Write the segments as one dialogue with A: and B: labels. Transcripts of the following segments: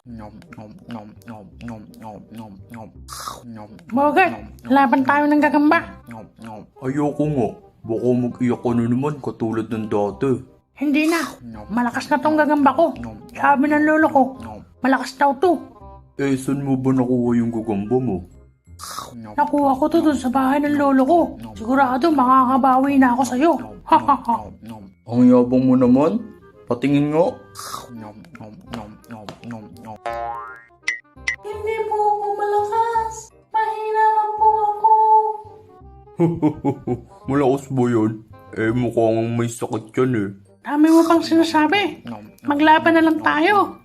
A: Bogart, laban tayo ng gagamba.
B: Ayoko nga. Baka mag-iyak ka na naman katulad ng dati.
A: Hindi na. Malakas na tong gagamba ko. Sabi ng lolo ko, malakas daw to.
B: Eh, saan mo ba nakuha yung gagamba mo?
A: Nakuha ko to dun sa bahay ng lolo ko. Sigurado makakabawi na ako sa'yo.
B: Ang yabang mo naman. Patingin nga.
A: Hindi po ako malakas. Mahina lang po ako.
B: Malakas ba yun? Eh, mukhang may sakit yan eh.
A: Dami mo pang sinasabi. Maglaban na lang tayo.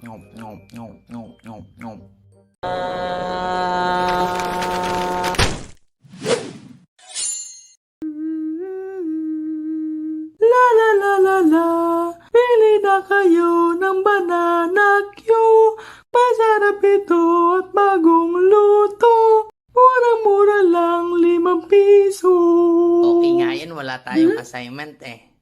A: La la la la la, pili na kayo ng banana Q. Masarap ito at bagong luto. Murang-mura lang, 5 piso.
C: Okay nga yan, wala tayong assignment eh.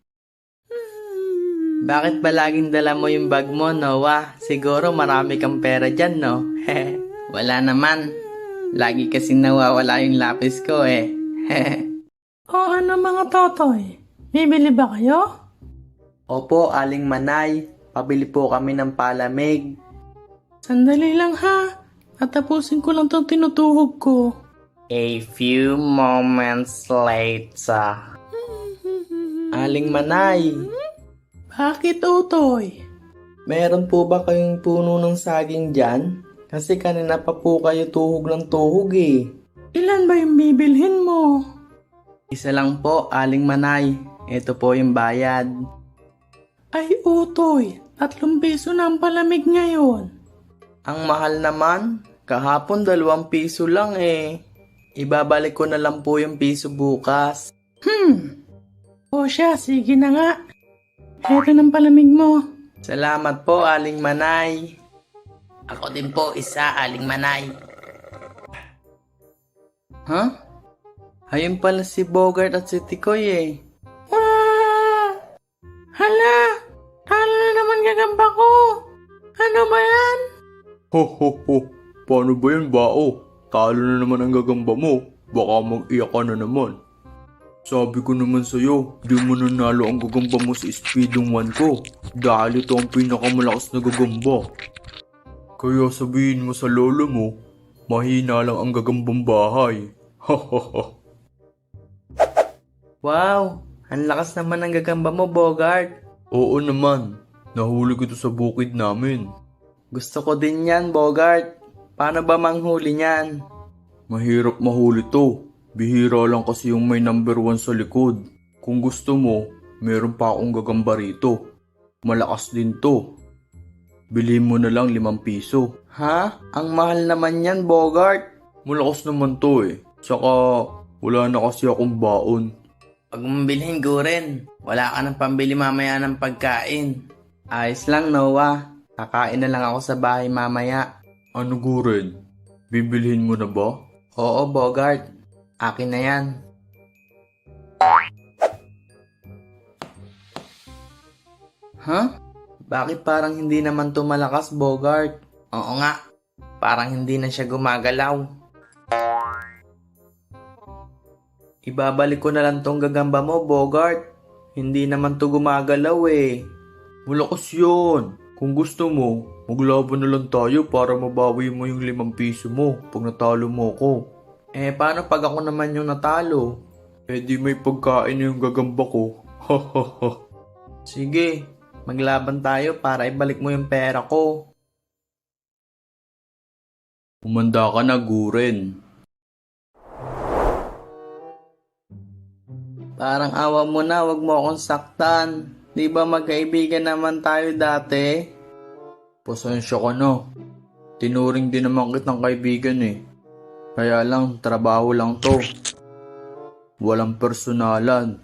C: Bakit ba laging dala mo yung bag mo, Noah? Siguro marami kang pera dyan, no? Wala naman. Lagi kasing nawawala yung lapis ko eh.
A: O ano mga totoy? Bibili ba kayo?
C: Opo, Aling Manay. Pabili po kami ng palamig.
A: Sandali lang ha. Tatapusin ko lang tong tinutuhog ko.
C: A few moments later. Aling Manay,
A: Bakit, Utoy?
C: meron po ba kayong puno ng saging dyan? Kasi kanina pa po kayo tuhog ng tuhog eh.
A: Ilan ba yung bibilhin mo?
C: Isa lang po, Aling Manay. Ito po yung bayad.
A: Ay, Utoy. 3 piso na ang palamig ngayon.
C: Ang mahal naman. Kahapon 2 piso lang eh. Ibabalik ko na lang po yung piso bukas.
A: O siya, sige na nga. Eto ng palamig mo.
C: Salamat po, Aling Manay. Ako din po, isa, Aling Manay. Huh? Ayun pala si Bogart at si Tikoy eh.
A: Hala! Talo na naman gagamba ko! Ano ba yan?
B: Ho ho ho. Paano ba yan, bao? Talo na naman ang gagamba mo. Baka mag-iyak ka na naman. Sabi ko naman sa'yo, di mo nanalo ang gagamba mo sa speedong 1 ko. Dahil ito ang pinakamalakas na gagamba. Kaya sabihin mo sa lolo mo, mahina lang ang gagambang bahay. Ha ha ha.
C: Wow! Ang lakas naman ng gagamba mo, Bogart.
B: Oo naman. Nahuli ko ito sa bukid namin.
C: Gusto ko din yan, Bogart. Paano ba manghuli niyan?
B: Mahirap mahuli to. Bihira lang kasi yung may number 1 sa likod. Kung gusto mo, meron pa akong gagamba rito. Malakas din to. Bilhin mo na lang 5 piso.
C: Ha? Ang mahal naman yan, Bogart.
B: Malakas naman to eh. Saka wala na kasi akong baon.
C: Pag mabilhin ko rin, wala ka ng pambili mamaya ng pagkain. Ayos lang, Noah. Kakain na lang ako sa bahay mamaya.
B: Ano Guren? Bibilhin mo na ba?
C: Oo, Bogart. Akin na yan. Huh? Bakit parang hindi naman to malakas, Bogart? Oo nga. Parang hindi na siya gumagalaw. Ibabalik ko na lang tong gagamba mo, Bogart. Hindi naman to gumagalaw eh.
B: Malakas yun. Kung gusto mo, maglaban na lang tayo para mabawi mo yung 5 piso mo pag natalo mo ko.
C: Eh, paano pag ako naman yung natalo?
B: Eh di may pagkain na yung gagamba ko. Ha ha ha.
C: Sige, maglaban tayo para ibalik mo yung pera ko.
B: Umanda ka na, Guren.
C: Parang awa mo na, wag mo akong saktan. Di ba magkaibigan naman tayo dati?
B: Pasensya ka na. Tinuring din naman kitang kaibigan eh. Kaya lang, trabaho lang to. Walang personalan.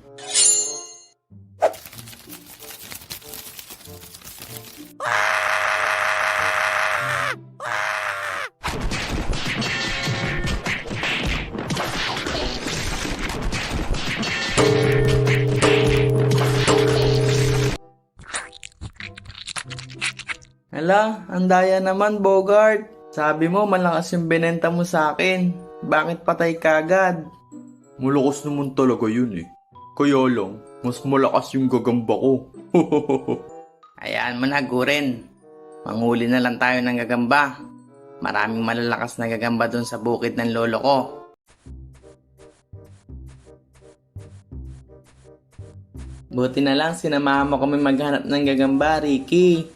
C: Hala, ang daya naman, Bogart. Sabi mo, malakas yung binenta mo sa akin. Bakit patay kagad?
B: Malakas naman talaga yun eh. Kaya lang, mas malakas yung gagamba ko.
C: Hayaan mo na, Guren. Manghuli na lang tayo ng gagamba. Maraming malalakas na gagamba dun sa bukid ng lolo ko. Buti na lang sinamahan mo kami maghanap ng gagamba, Ricky.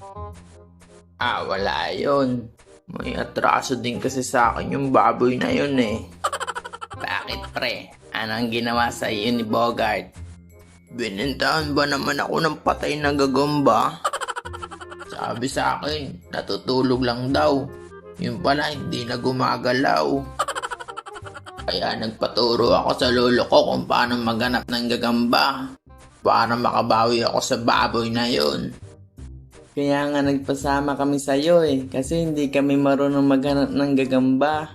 C: Wala yun. May atraso din kasi sa akin yung baboy na yun eh. Bakit pre? Anong ginawa sa iyo ni Bogart? Binintahan ba naman ako ng patay na gagamba? Sabi sa akin, natutulog lang daw. Yun pala hindi na gumagalaw. Kaya nagpaturo ako sa lolo ko kung paano maghanap ng gagamba. Para makabawi ako sa baboy na yun. Kaya nga nagpasama kami sa'yo eh. Kasi hindi kami marunong maghanap ng gagamba.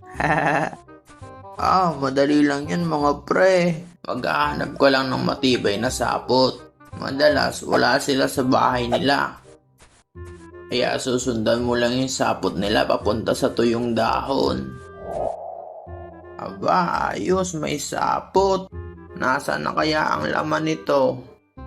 C: Madali lang yan mga pre. Maghahanap ko lang ng matibay na sapot. Madalas wala sila sa bahay nila. Kaya susundan mo lang yung sapot nila papunta sa tuyong dahon. Aba, ayos, may sapot. Nasaan na kaya ang laman nito?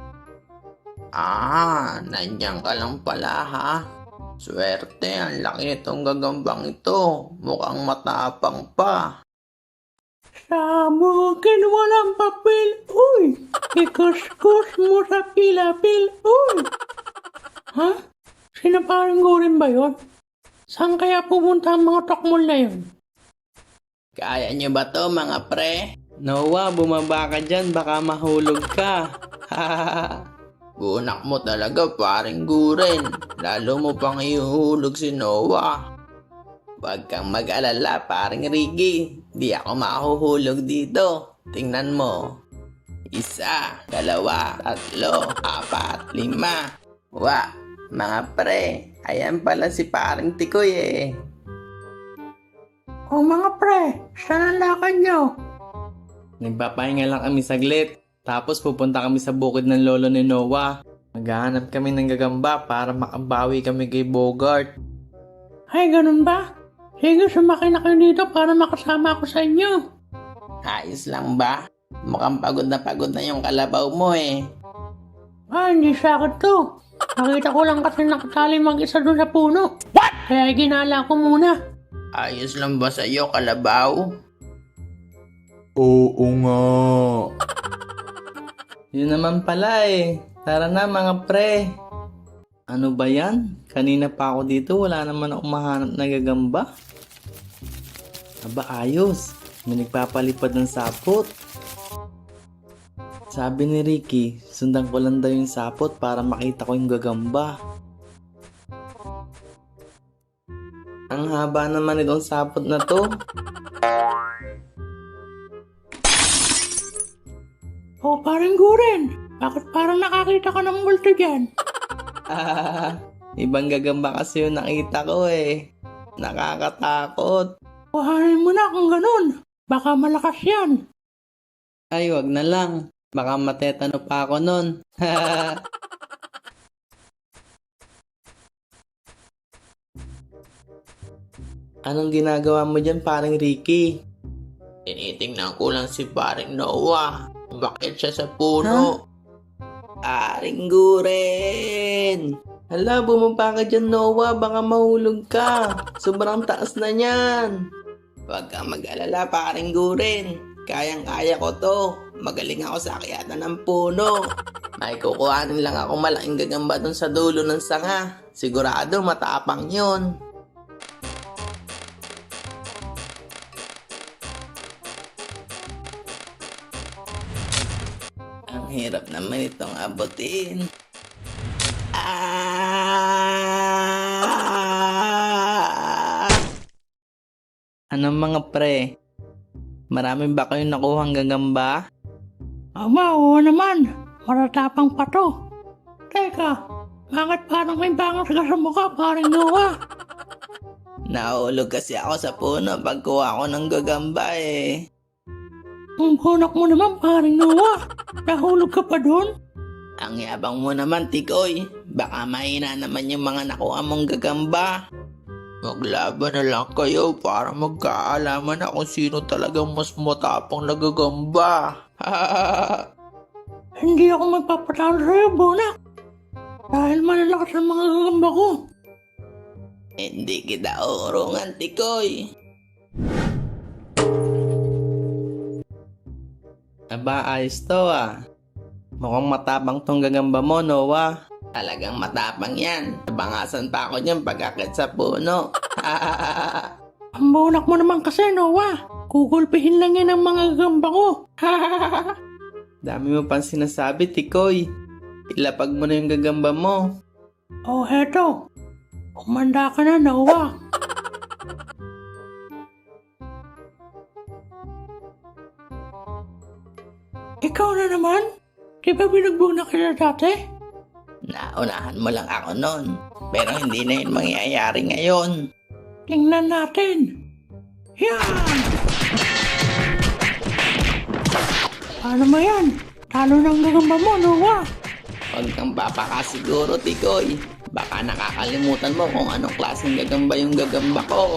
C: Nandiyan ka lang pala ha. Swerte, ang laki nitong gagambang ito. Mukhang matapang pa.
A: Sa akin walang papel, uy! Ikuskus mo sa pilapil, uy! Ha? Sinaparing Guren ba yun? Saan kaya pumunta ang mga tokmol na yun?
C: Kaya nyo ba to mga pre? Noah, bumaba ka dyan, baka mahulog ka. Bunak mo talaga paring Guren. Lalo mo pang ihuhulog si Noah. Huwag kang mag-alala paring Ricky. Di ako mahuhulog dito. Tingnan mo. 1, 2, 3, 4, 5. Mga pre, ayan pala si paring Tikoy eh.
A: O mga pre, saan ang lakad nyo?
C: Nagpapahinga lang kami saglit. Tapos pupunta kami sa bukid ng lolo ni Noah. Maghahanap kami ng gagamba para makabawi kami kay Bogart.
A: Ay, ganun ba? Sige, sumakay na kayo dito para makasama ako sa inyo.
C: Ayos lang ba? Mukhang pagod na yung kalabaw mo eh.
A: Hindi sa akin to. Nakita ko lang kasi nakatali mag-isa doon sa puno. What? Kaya ginala ko muna.
C: Ayos lang ba sa'yo, kalabaw?
B: Oo nga.
C: Yun naman pala eh. Tara na mga pre. Ano ba yan? Kanina pa ako dito, wala naman akong mahanap na gagamba. Aba ayos. May nagpapalipad ng sapot. Sabi ni Ricky, sundan ko lang daw yung sapot para makita ko yung gagamba. Ang haba naman itong sapot na to.
A: O, parang Guren. Bakit parang nakakita ka ng multo dyan?
C: Ibang gagamba kasi yung nakita ko eh. Nakakatakot.
A: Kuhanin mo na kung ganun. Baka malakas yan.
C: Ay, wag na lang. Baka matetano pa ako nun. Anong ginagawa mo dyan, paring Ricky? Tinitingnan ko lang si paring Noah. Bakit siya sa puno? Paring Guren! Hala, bumaba ka dyan, Noah. Baka mahulog ka. Sobrang taas na niyan. Huwag kang mag-alala, paring Guren. Kayang-kaya ko to. Magaling ako sa akyatan ng puno. May kukuhanin lang ako malaking gagamba dun sa dulo ng sanga. Sigurado matapang yun. Ang hirap naman itong abutin. Anong mga pre? Marami ba kayong nakuhang gagamba?
A: Aba, oo naman. Maratapang pa to. Teka, bakit parang may bangas ka sa mukha, parang Noah?
C: Nahulog kasi ako sa puno pagkuha ko ng gagamba eh.
A: Ang bunak mo naman, parang Noah. Nahulog ka pa doon?
C: Ang yabang mo naman, Tikoy. Baka mahina naman yung mga nakuha mong gagamba. Maglaban na lang kayo para magkaalaman na kung sino talagang mas matapang na gagamba.
A: Hindi ako magpapatalo sa'yo, Bonak. Dahil malalakas ang mga gagamba ko.
C: Hindi kita uurungan, Tikoy. Aba, ayos to ah. Mukhang matapang tong gagamba mo, Noah. Talagang matapang yan. Nabangasan pa ako niyan pagkakit sa puno.
A: Ang Bonak mo naman kasi, Noah. Gugulpihin lang yan ang mga gagamba ko.
C: Dami mo pang sinasabi, Tikoy. Ilapag mo na yung gagamba mo.
A: Oh, heto. Kumanda ka na, Noah. Ikaw na naman? Di ba binugbog na kita dati?
C: Naunahan mo lang ako nun. Pero hindi na yun mangyayari ngayon.
A: Tingnan natin. Yan! Paano mo yan? Talo ng gagamba mo, Noah.
C: Huwag kang papakasiguro, Tikoy. Baka nakakalimutan mo kung anong klaseng gagamba yung gagamba ko.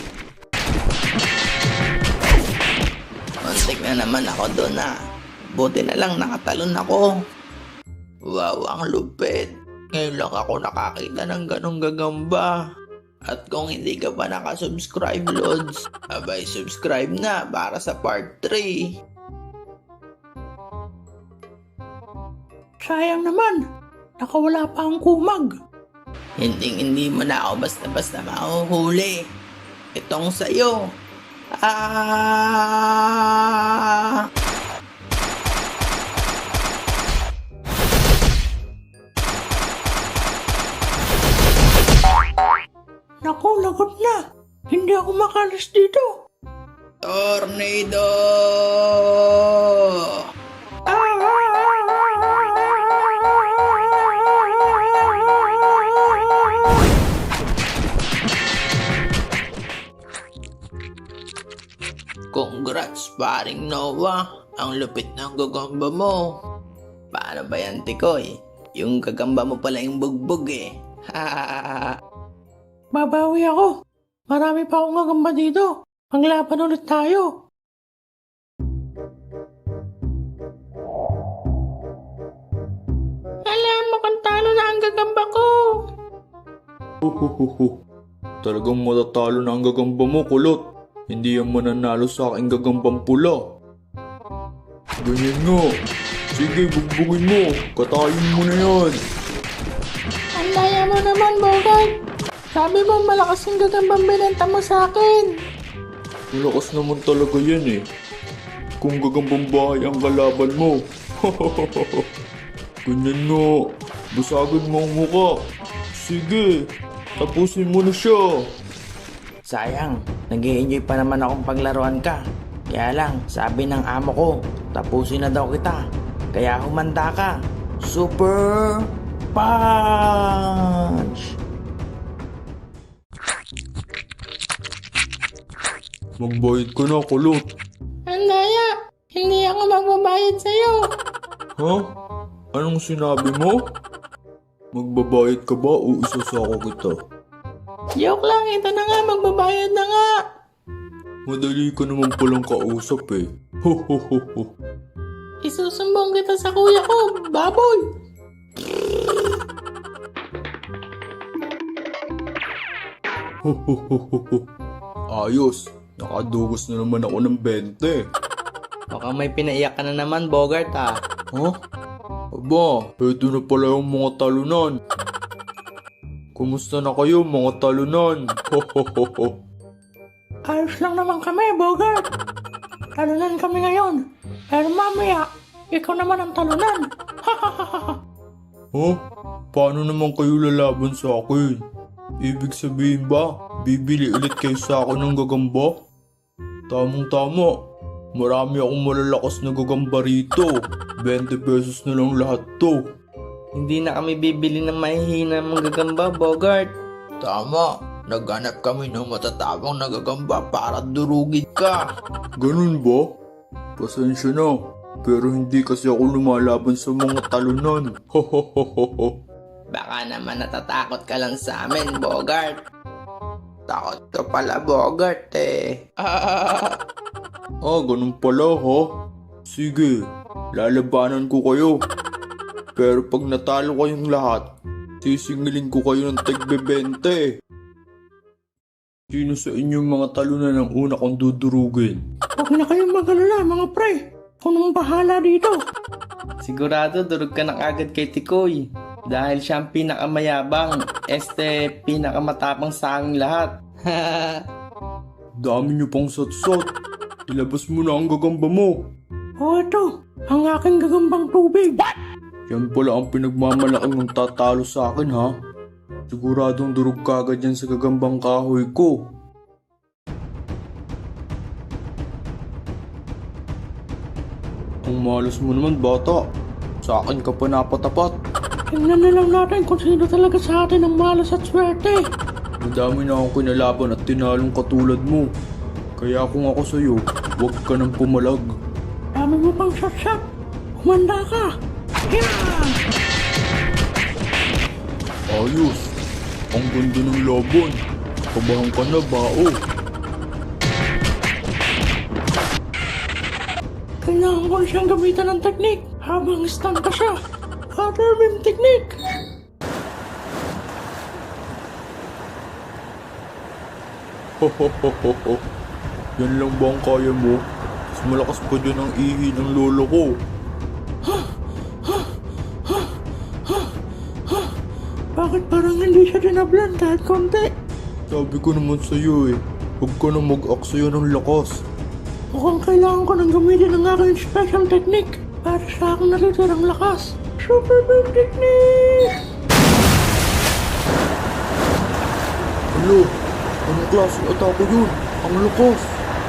C: Muntik na naman ako doon ah. Buti na lang nakatalon ako. Wow, ang lupit. Ngayon lang ako nakakita ng ganong gagamba. At kung hindi ka pa nakasubscribe, Lods, abay subscribe na para sa part 3.
A: Sayang naman. Nakawala pa ang kumag.
C: Hindi mo na ako basta-basta mahuhuli. Itong sa'yo. Ah!
A: Naku, lagot na. Hindi ako makalis dito.
C: Tornado! Congrats, paring Noah. Ang lupit ng gagamba mo. Paano ba yan, Tikoy? Yung gagamba mo pala yung bugbog eh.
A: Babawi ako. Marami pa akong gagamba dito. Maglaban ulit tayo. Alam mo kung talo na ang gagamba ko.
B: Huhuhuhu. Talagang matatalo na ang gagamba mo, kulot. Hindi yan mananalo sa aking gagambang pula. Ganyan nga. Sige, bugbugin mo. Katayin mo na yan.
A: Ang daya mo naman, Bogart. Sabi mo malakas yung gagambang binenta mo sa akin.
B: Malakas naman talaga yan eh. Kung gagambang bahay ang kalaban mo. Ganyan nga. Basagin mo ang muka. Sige, tapusin mo na siya.
C: Sayang, nag-i-enjoy pa naman akong paglaruan ka. Kaya lang, sabi ng amo ko, tapusin na daw kita. Kaya humanda ka. Super Punch!
B: Magbayad ka na, kulot.
A: Ang daya. Hindi ako magbabayad sa'yo.
B: Ha? Anong sinabi mo? Magbabayad ka ba o isasako kita?
A: Joke lang, ito na nga, magbabayad na nga.
B: Madali ka naman palang kausap eh. Ho ho ho ho.
A: Isusumbong kita sa kuya ko, baboy.
B: Ho ho ho ho ho. Ayos, nakadugos na naman ako ng 20.
C: Mukhang may pinaiyak ka na naman, Bogart ah.
B: Ha? Aba, eto na pala yung mga talunan. Kumusta na kayo mga talunan? Ho ho ho ho.
A: Ayos lang naman kami, Bogart. Talunan kami ngayon. Pero mamaya, ikaw naman ang talunan.
B: Ha? Paano naman kayo lalaban sa akin? Ibig sabihin ba, bibili ulit kayo sa akin ng gagamba? Tamang-tama. Marami akong malalakas na gagamba rito. 20 pesos na lang lahat to.
C: Hindi na kami bibili ng mahihina mong gagamba, Bogart.
B: Tama.
C: Naghanap kami ng matatabang na gagamba para durugin ka.
B: Ganun ba? Pasensya na. Pero hindi kasi ako lumalaban sa mga talunan. Ho ho ho ho ho.
C: Baka naman natatakot ka lang sa amin, Bogart. Takot ka pala, Bogart eh.
B: Ganun pala ha. Sige, lalabanan ko kayo. Pero pag natalo kayong lahat, sisingilin ko kayo ng tig-20. Sino sa inyong mga talunan ang una kong dudurugin?
A: Huwag na kayong mag-alala, mga pre. Ako nang bahala dito.
C: Sigurado durog ka na agad kay Tikoy. Dahil siya ang pinakamayabang, pinakamatapang sa aming lahat.
B: Dami niyo pang satsat. Ilabas mo na ang gagamba mo.
A: Ito, ang aking gagambang tubig.
B: Yan pala ang pinagmamalaking mong tatalo sa akin ha. Siguradong durog ka agad yan sa gagambang kahoy ko. Ang malas mo naman bata. Sa akin ka pa napatapat.
A: Tingnan na lang natin kung sino talaga sa atin ang malas at swerte.
B: Madami na akong kinalaban at tinalong katulad mo. Kaya kung ako sa'yo, huwag ka nang pumalag.
A: Dami mo pang shot-shot. Kumanda ka. Yan!
B: Ayos. Ang ganda ng laban. Kabahan ka na, bao.
A: Kailangan ko siyang gamitan ng teknik habang stun ka siya. Other technique.
B: Hohohoho. Yan lang ba ang kaya mo? Mas malakas pa dyan ang ihi ng lolo ko.
A: Bakit parang hindi siya dinablan kahit konti?
B: Sabi ko naman sa'yo huwag ka na mag-aksaya ng lakas.
A: Mukhang kailangan ko nang gamitin ang aking special technique para sa aking natitirang lakas. Super Beam Technique!
B: Alo, anong klaseng atake yun? Ang lakas!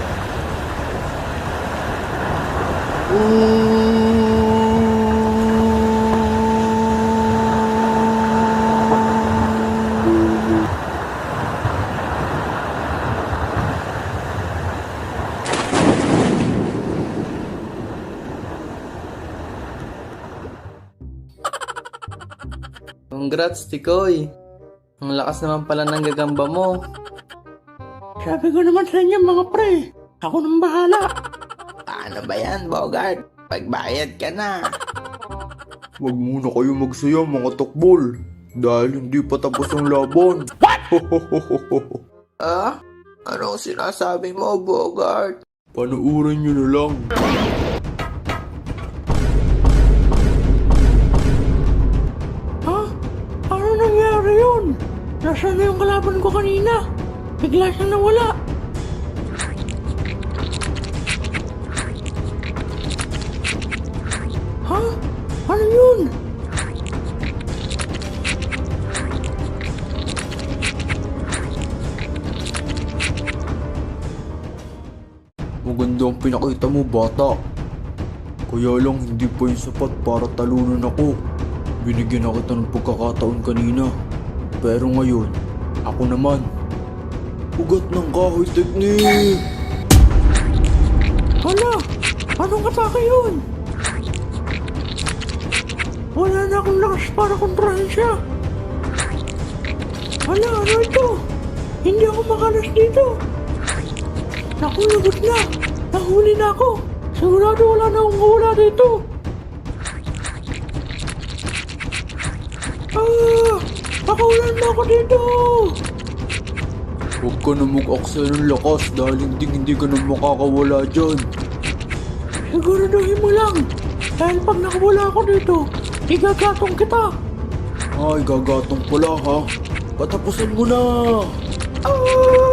C: Congrats, Tikoy. Ang lakas naman pala ng gagamba mo.
A: Sabi ko naman sa inyo mga pre, ako nang bahala.
C: Paano ba yan, Bogart? Pagbayad ka na.
B: Huwag muna kayo magsaya mga takbol. Dahil hindi pa tapos ang laban. Hohohoho.
C: Ah? Anong sinasabi mo, Bogart?
B: Panuurin nyo na lang.
A: Ha? Ano nangyari yun? Nasaan na yung kalaban ko kanina? Bigla siyang nawala. Ha? Ano yun?
B: Maganda ang pinakita mo, bata. Kaya lang hindi pa yung sapat para talunan ako. Binigyan na kita ng pagkakataon kanina. Pero ngayon, ako naman. Ugat ng kahoy technique!
A: Hala! Anong atake yun? Wala na akong lakas para kontrahin siya. Hala, ano ito? Hindi ako makalas dito. Naku, lagot na. Nahuli na ako. Sigurado wala na akong hula dito. Pakawalan mo ako dito.
B: Huwag ka na mag-aksaya ng lakas dahil hindi ka na makakawala dyan.
A: Siguraduhin mo lang. Dahil pag nakawala ako dito, igagatong kita.
B: Ay, gagatong pala ha. Patapusin mo na!
A: Ah!